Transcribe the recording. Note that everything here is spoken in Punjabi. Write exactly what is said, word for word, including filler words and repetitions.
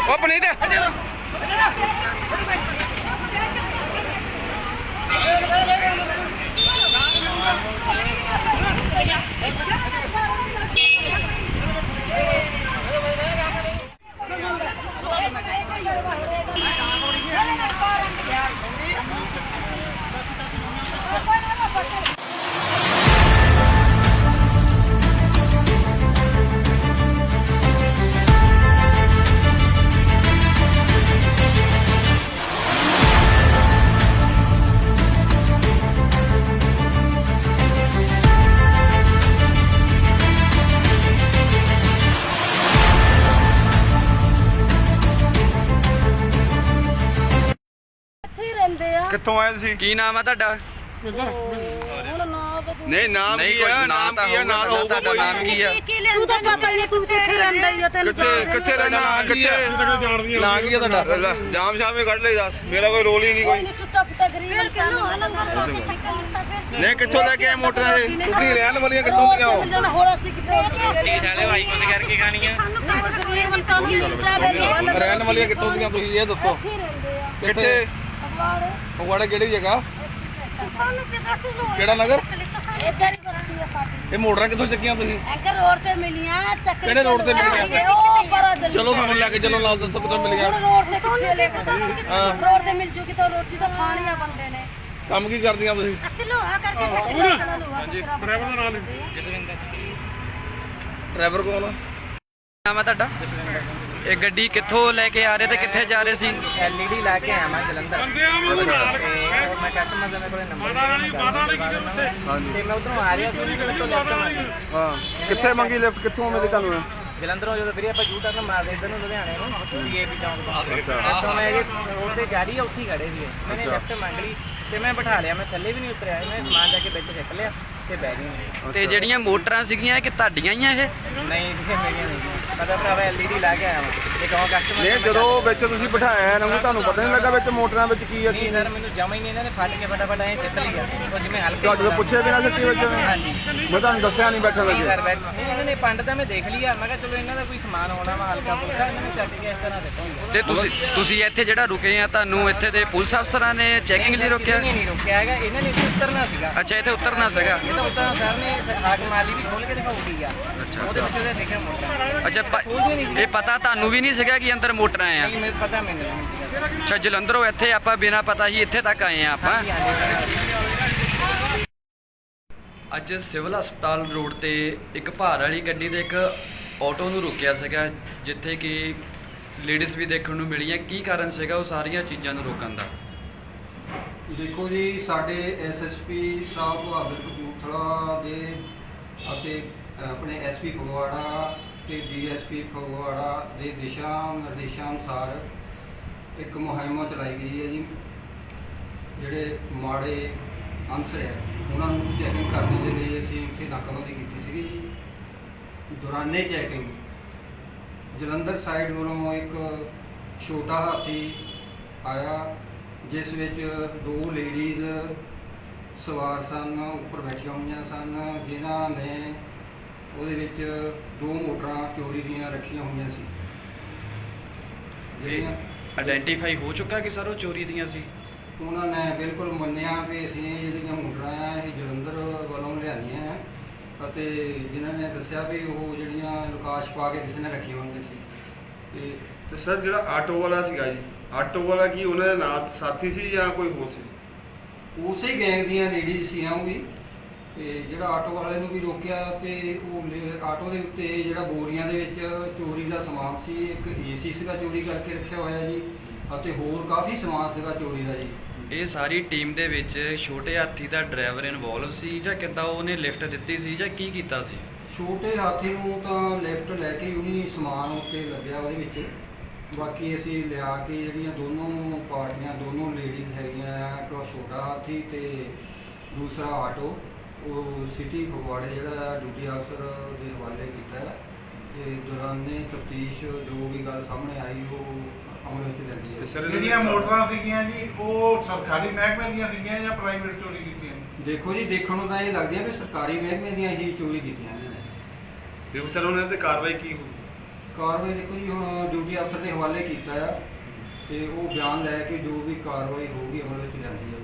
ਉਹ ਪਨੀਤ ਕਿੱਥੋਂ ਆਏ ਤੁਸੀਂ? ਕੀ ਨਾਮ ਆ ਤੁਹਾਡਾ? ਨਹੀਂ ਨਾਮ ਕੀ ਆ? ਨਾਮ ਕੀ ਆ? ਨਾਮ ਹੋਊਗਾ ਤੁਹਾਡਾ ਨਾਮ ਕੀ ਆ? ਤੂੰ ਤਾਂ ਪਤਾ ਹੀ ਤੂੰ ਕਿੱਥੇ ਰਹਿੰਦਾ ਹੀ ਆ ਤੈਨੂੰ ਕਿੱਥੇ ਕਿੱਥੇ ਰਹਿਣਾ ਕਿੱਥੇ ਨਾਂ ਕੀ ਆ ਤੁਹਾਡਾ? ਲੈ, ਜਾਮ ਸ਼ਾਮ ਹੀ ਕੱਢ ਲਈ ਦੱਸ, ਮੇਰਾ ਕੋਈ ਰੋਲ ਹੀ ਨਹੀਂ ਕੋਈ। ਟੁੱਟਾ ਫੁੱਟਾ ਗਰੀਬ ਇਨਸਾਨ ਨਹੀਂ ਕਿੱਥੋਂ ਲੈ ਕੇ ਆਏ ਮੋਟਰਾਂ ਇਹ? ਤੁਸੀਂ ਰਹਿਣ ਵਾਲੀਆਂ ਕਿੱਥੋਂ ਦੀਆਂ ਹੋ? ਜਨ ਹੋਰ ਅਸੀਂ ਕਿੱਥੋਂ ਸਾਲੇ ਭਾਈ ਕੁਝ ਕਰਕੇ ਖਾਣੀਆਂ ਗਰੀਬ ਇਨਸਾਨ ਨੂੰ ਮਿਲਦਾ ਹੈ ਰਹਿਣ ਵਾਲੀਆਂ ਕਿੱਥੋਂ ਦੀਆਂ ਤੁਸੀਂ ਇਹ ਦੱਸੋ? ਕਿੱਥੇ? ਫਗਵਾੜਾ ਕਿਹੜੀ ਜਗ੍ਹਾ? ਕਿਹੜਾ ਨਗਰ? ਇੱਧਰ ਹੀ ਬਸਤੀ ਆ ਸਾਡੀ। ਇਹ ਮੋਟਰਾਂ ਕਿੱਥੋਂ ਚੱਕੀਆਂ ਤੁਸੀਂ? ਐਂਕਰ ਰੋਡ ਤੇ ਮਿਲੀਆਂ ਚੱਕਰ ਕਿਹੜੇ road ਤੇ ਮਿਲੀਆਂ? ਉਹ ਪਰਾਂ ਚੱਲੀ ਚਲੋ ਸਾਨੂੰ ਲੈ ਕੇ ਚਲੋ ਨਾਲ ਦੱਸੋ ਕਿੱਥੋਂ ਮਿਲ ਗਿਆ। ਹੁਣ ਰੋਡ ਤੇ ਕਿੱਥੇ ਲੈ ਕੇ ਰੋਡ ਤੇ ਮਿਲ ਜੂਗੀ ਤਾਂ ਰੋਟੀ ਤਾਂ ਖਾਣੀ ਆ ਬੰਦੇ ਨੇ। ਕੰਮ ਕੀ ਕਰਦੀਆਂ ਤੁਸੀਂ? ਅਸੀਂ ਲੋਹਾ ਕਰਕੇ ਚੱਕਰ ਹਾਂਜੀ ਡਰਾਈਵਰ ਦਾ ਨਾਮ ਜਸਵਿੰਦਰ ਡਰਾਈਵਰ ਕੌਣ ਆ? ਨਾਮ ਆ ਤੁਹਾਡਾ? ਇਹ ਗੱਡੀ ਕਿੱਥੋਂ ਲੈ ਕੇ ਆ ਰਹੇ ਤੇ ਕਿੱਥੇ ਜਾ ਰਹੇ ਸੀ? ਐਲਈਡੀ ਲਾ ਕੇ ਆਇਆ ਮੈਂ ਜਲੰਧਰ ਤੇ ਮੈਂ ਕਸਟਮਰ ਦੇ ਕੋਲੇ ਨੰਬਰ ਹਾਂਜੀ ਤੇ ਮੈਂ ਉਧਰੋਂ ਆ ਰਿਹਾ ਸੀ ਤੇ ਤੋਂ ਲੈਫਟ ਮਾਰੀ ਹਾਂ ਕਿੱਥੇ ਮੰਗੀ ਲਿਫਟ? ਕਿੱਥੋਂ ਮਿਲੀ ਤੁਹਾਨੂੰ? ਜਲੰਧਰੋਂ ਜਦੋਂ ਵੀਰੇ ਆਪਾਂ ਯੂ ਟਰਨ ਮਾਰਦੇ ਇੱਧਰ ਨੂੰ ਲੁਧਿਆਣੇ ਨੂੰ ਪੀਏਪੀ ਚੌਂਕ ਤੋਂ ਇੱਥੋਂ ਮੈਂ ਇਹ ਰੋਡ ਤੇ ਜਾ ਰਹੀ ਆ, ਉੱਥੇ ਹੀ ਖੜੇ ਸੀ ਮੈਨੇ ਲੈਫਟ ਮੰਗ ਲਈ ਤੇ ਮੈਂ ਬਿਠਾ ਲਿਆ। ਮੈਂ ਥੱਲੇ ਵੀ ਨਹੀਂ ਉਤਰਿਆ, ਮੈਂ ਸਮਾਨ ਜਾ ਕੇ ਵਿੱਚ ਸਿੱਟ ਲਿਆ ਤੇ ਬਹਿ ਗਈ। ਤੇ ਜਿਹੜੀਆਂ ਮੋਟਰਾਂ ਸੀਗੀਆਂ ਇਹ ਕਿ ਤੁਹਾਡੀਆਂ ਹੀ ਆ? ਇਹ ਨਹੀਂ ਕਿਸੇ ਮੇਰੀਆਂ ਨਹੀਂ ਪਤਾ ਭਰਾਵਾ ਐਲਈਡੀ ਲਾ ਕੇ ਆਇਆ ਮੈਂ ਤੇ ਕਹੋ ਕਸਟਮਰ ਨਹੀਂ ਜਦੋਂ ਵਿੱਚ ਤੁਸੀਂ ਬਿਠਾਇਆ ਇਹਨਾਂ ਨੂੰ ਤੁਹਾਨੂੰ ਪਤਾ ਨਹੀਂ ਲੱਗਾ ਵਿੱਚ ਮੋਟਰਾਂ ਵਿੱਚ ਕੀ ਆ ਕੀ ਨਹੀਂ ਸਰ ਮੈਨੂੰ ਜਮਾ ਹੀ ਨਹੀਂ ਇਹਨਾਂ ਨੇ ਫੜ ਕੇ ਫਟਾਫਟ ਐਂ ਚੱਕ ਲਿਆ ਉਹ ਜਿਵੇਂ ਹਲਕੇ ਤੁਹਾਡੇ ਤੋਂ ਪੁੱਛੇ ਬਿਨਾਂ ਸਿੱਟੀ ਵਿੱਚ? ਹਾਂਜੀ ਮੈਂ ਤੁਹਾਨੂੰ ਦੱਸਿਆ ਨਹੀਂ ਬੈਠਣ ਨਹੀਂ ਲੱਗੇ। ਸਰ ਬੈਠ ਨਹੀਂ ਇਹਨਾਂ ਨੇ ਪੰਡ ਤਾਂ ਮੈਂ ਦੇਖ ਲਿਆ। ਮੈਂ ਕਿਹਾ ਚਲੋ ਇਹਨਾਂ ਦਾ ਕੋਈ ਸਮਾਨ ਹੋਣਾ ਵਾ ਹਲਕਾ ਫੁਲਕਾ ਇਹਨਾਂ ਨੇ ਚੱਕ ਕੇ ਇਸ ਤਰ੍ਹਾਂ ਦਿੱਤਾ। ਤੇ ਤੁਸੀਂ ਤੁਸੀਂ ਇੱਥੇ ਜਿਹੜਾ ਰੁਕੇ ਆ ਤੁਹਾਨੂੰ ਇੱਥੇ ਦੇ ਪੁਲਿਸ ਅਫਸਰਾਂ ਨੇ ਚੈਕਿੰਗ ਲਈ ਰੋਕਿਆ? ਨਹੀਂ ਨਹੀਂ ਰੁਕਿਆ ਹੈਗਾ, ਇਹਨਾਂ ਨੇ ਇੱਥੇ ਉਤਰਨਾ ਸੀਗਾ। ਅੱਛਾ ਇੱਥੇ ਉਤਰਨਾ ਸੀਗਾ। ਇਹ ਤਾਂ ਉਤਰਨਾ ਸਰ ਨੇ ਹਾਕ ਮਾਲੀ ਵੀ ਖੋਲ ਕੇ ਦਿਖਾਉਗੀ ਆ ਉਹਦੇ ਵਿੱਚ ਉਹਦੇ ਦੇਖਿਆ ਮੋਟਰ ਅੱਛਾ ਪ- ਇਹ ਪਤਾ ਤੁਹਾਨੂੰ ਵੀ ਨਹੀਂ ਸੀਗਾ ਕਿ ਅੰਦਰ ਮੋਟਰਾਂ ਆ? ਨਹੀਂ ਮੈਨੂੰ ਪਤਾ ਮੈਨੂੰ ਨਹੀਂ ਸੀਗਾ। ਅੱਛਾ ਜਲੰਧਰੋਂ ਇੱਥੇ ਆਪਾਂ ਬਿਨਾਂ ਪਤਾ ਹੀ ਇੱਥੇ ਤੱਕ ਆਏ ਆ ਆਪਾਂ। ਹਾਂਜੀ, ਹਾਂਜੀ। ਅੱਜ ਸਿਵਲ ਹਸਪਤਾਲ ਰੋਡ ਤੇ ਇੱਕ ਭਾਰ ਵਾਲੀ ਗੱਡੀ ਦੇ ਇੱਕ ਆਟੋ ਨੂੰ ਰੋਕਿਆ ਸੀਗਾ ਜਿੱਥੇ ਕਿ ਲੇਡੀਜ਼ ਵੀ ਦੇਖਣ ਨੂੰ ਮਿਲੀਆਂ। ਕੀ ਕਾਰਨ ਸੀਗਾ ਉਹ ਸਾਰੀਆਂ ਚੀਜ਼ਾਂ ਨੂੰ ਰੋਕਣ ਦਾ? ਦੇਖੋ ਜੀ ਸਾਡੇ ਐਸਐਸਪੀ ਸਾਹਿਬ ਬਹਾਦਰ ਕਪੂਰਥਲਾ ਦੇ ਅਤੇ ਆਪਣੇ ਐਸਪੀ ਫਗਵਾੜਾ ਤੇ ਡੀਐਸਪੀ ਫਗਵਾੜਾ ਦੇ ਦਿਸ਼ਾ ਨਿਰਦੇਸ਼ਾਂ ਅਨੁਸਾਰ ਇੱਕ ਮੁਹਿੰਮ ਚਲਾਈ ਗਈ ਹੈ ਜੀ। ਜਿਹੜੇ ਮਾੜੇ ਅਨਸਰ ਹੈ ਉਹਨਾਂ ਨੂੰ ਚੈਕਿੰਗ ਕਰਨ ਦੇ ਲਈ ਅਸੀਂ ਉੱਥੇ ਨਾਕਾਬੰਦੀ ਕੀਤੀ ਸੀਗੀ ਜੀ। ਦੌਰਾਨੇ ਚੈਕਿੰਗ ਜਲੰਧਰ ਸਾਈਡ ਵੱਲੋਂ ਇੱਕ ਛੋਟਾ ਹਾਥੀ ਆਇਆ ਜਿਸ ਵਿੱਚ ਦੋ ਲੇਡੀਜ਼ ਸਵਾਰ ਸਨ, ਉੱਪਰ ਬੈਠੀਆਂ ਹੋਈਆਂ ਸਨ, ਜਿਨ੍ਹਾਂ ਨੇ ਉਹਦੇ ਵਿੱਚ ਦੋ ਮੋਟਰਾਂ ਚੋਰੀ ਦੀਆਂ ਰੱਖੀਆਂ ਹੋਈਆਂ ਸੀ। ਜਿਹੜੀਆਂ ਆਇਡੈਂਟੀਫਾਈ ਹੋ ਚੁੱਕਾ ਕਿ ਸਰ ਉਹ ਚੋਰੀ ਦੀਆਂ ਸੀ? ਉਹਨਾਂ ਨੇ ਬਿਲਕੁਲ ਮੰਨਿਆ ਕਿ ਅਸੀਂ ਜਿਹੜੀਆਂ ਮੋਟਰਾਂ ਆ ਇਹ ਜਲੰਧਰ ਵੱਲੋਂ ਲਿਆਂਦੀਆਂ ਆ ਅਤੇ ਜਿਨ੍ਹਾਂ ਨੇ ਦੱਸਿਆ ਵੀ ਉਹ ਜਿਹੜੀਆਂ ਲੁਕਾਸ਼ ਪਾ ਕੇ ਕਿਸੇ ਨੇ ਰੱਖੀਆਂ ਹੋਈਆਂ ਸੀ। ਤੇ ਤੇ ਸਰ ਜਿਹੜਾ ਆਟੋ ਵਾਲਾ ਸੀਗਾ ਜੀ, ਆਟੋ ਵਾਲਾ ਕੀ ਉਹਨਾਂ ਦੇ ਨਾਲ ਸਾਥੀ ਸੀ ਜਾਂ ਕੋਈ ਹੋਰ ਸੀ? ਉਸੇ ਗੈਂਗ ਦੀਆਂ ਲੇਡੀਜ਼ ਸੀ ਉਹ ਵੀ। ਤੇ ਜਿਹੜਾ ਆਟੋ ਵਾਲੇ ਨੂੰ ਵੀ ਰੋਕਿਆ ਤੇ ਉਹ ਲੇ- ਆਟੋ ਦੇ ਉੱਤੇ ਜਿਹੜਾ ਬੋਰੀਆਂ ਦੇ ਵਿੱਚ ਚੋਰੀ ਦਾ ਸਮਾਨ ਸੀ, ਇੱਕ ਏਸੀ ਸੀਗਾ ਚੋਰੀ ਕਰਕੇ ਰੱਖਿਆ ਹੋਇਆ ਜੀ ਅਤੇ ਹੋਰ ਕਾਫੀ ਸਮਾਨ ਸੀਗਾ ਚੋਰੀ ਦਾ ਜੀ। ਇਹ ਸਾਰੀ ਟੀਮ ਦੇ ਵਿੱਚ ਛੋਟੇ ਹਾਥੀ ਦਾ ਡਰਾਈਵਰ ਇਨਵੋਲਵ ਸੀ ਜਾਂ ਕਿੱਦਾਂ ਉਹਨੇ ਲਿਫਟ ਦਿੱਤੀ ਸੀ ਜਾਂ ਕੀ ਕੀਤਾ ਸੀ? ਛੋਟੇ ਹਾਥੀ ਨੂੰ ਤਾਂ ਲਿਫਟ ਲੈ ਕੇ ਉਹਨੀ ਸਮਾਨ ਉੱਤੇ ਲੱਗਿਆ ਉਹਦੇ ਵਿੱਚ। ਬਾਕੀ ਅਸੀਂ ਲਿਆ ਕੇ ਜਿਹੜੀਆਂ ਦੋਨੋਂ ਪਾਰਟੀਆਂ ਦੋਨੋਂ ਲੇਡੀਜ਼ ਹੈਗੀਆਂ ਆ, ਇੱਕ ਛੋਟਾ ਹਾਥੀ ਤੇ ਦੂਸਰਾ ਆਟੋ, ਉਹ ਸਿਟੀ ਫਗਵਾੜੇ ਜਿਹੜਾ ਡਿਊਟੀ ਅਫਸਰ ਦੇ ਹਵਾਲੇ ਕੀਤਾ ਹੈ। ਤੇ ਦੌਰਾਨੇ ਤਫਤੀਸ਼ ਜੋ ਵੀ ਗੱਲ ਸਾਹਮਣੇ ਆਈ ਉਹ ਅਮਲ ਵਿੱਚ ਲੈਂਦੀ ਹੈ। ਜਿਹੜੀਆਂ ਮੋਟਰਾਂ ਸੀਗੀਆਂ ਜੀ ਉਹ ਸਰਕਾਰੀ ਮਹਿਕਮੇ ਦੀਆਂ ਸੀਗੀਆਂ ਜਾਂ ਪ੍ਰਾਈਵੇਟ ਚੋਰੀ ਕੀਤੀਆਂ? ਦੇਖੋ ਜੀ ਦੇਖਣ ਨੂੰ ਤਾਂ ਇਹ ਲੱਗਦੀਆਂ ਵੀ ਸਰਕਾਰੀ ਮਹਿਕਮੇ ਦੀਆਂ ਹੀ ਚੋਰੀ ਕੀਤੀਆਂ ਇਹਨਾਂ ਨੇ। ਫਿਰ ਸਰ ਉਹਨਾਂ ਤੇ ਕਾਰਵਾਈ ਕੀ ਹੋਈ? ਕਾਰਵਾਈ ਦੇਖੋ ਜੀ ਹੁਣ ਡਿਊਟੀ ਅਫਸਰ ਦੇ ਹਵਾਲੇ ਕੀਤਾ ਆ ਤੇ ਉਹ ਬਿਆਨ ਲੈ ਕੇ ਜੋ ਵੀ ਕਾਰਵਾਈ ਹੋਊਗੀ ਅਮਲ ਵਿੱਚ ਲਿਆਂਦੀ ਜਾਊਗੀ।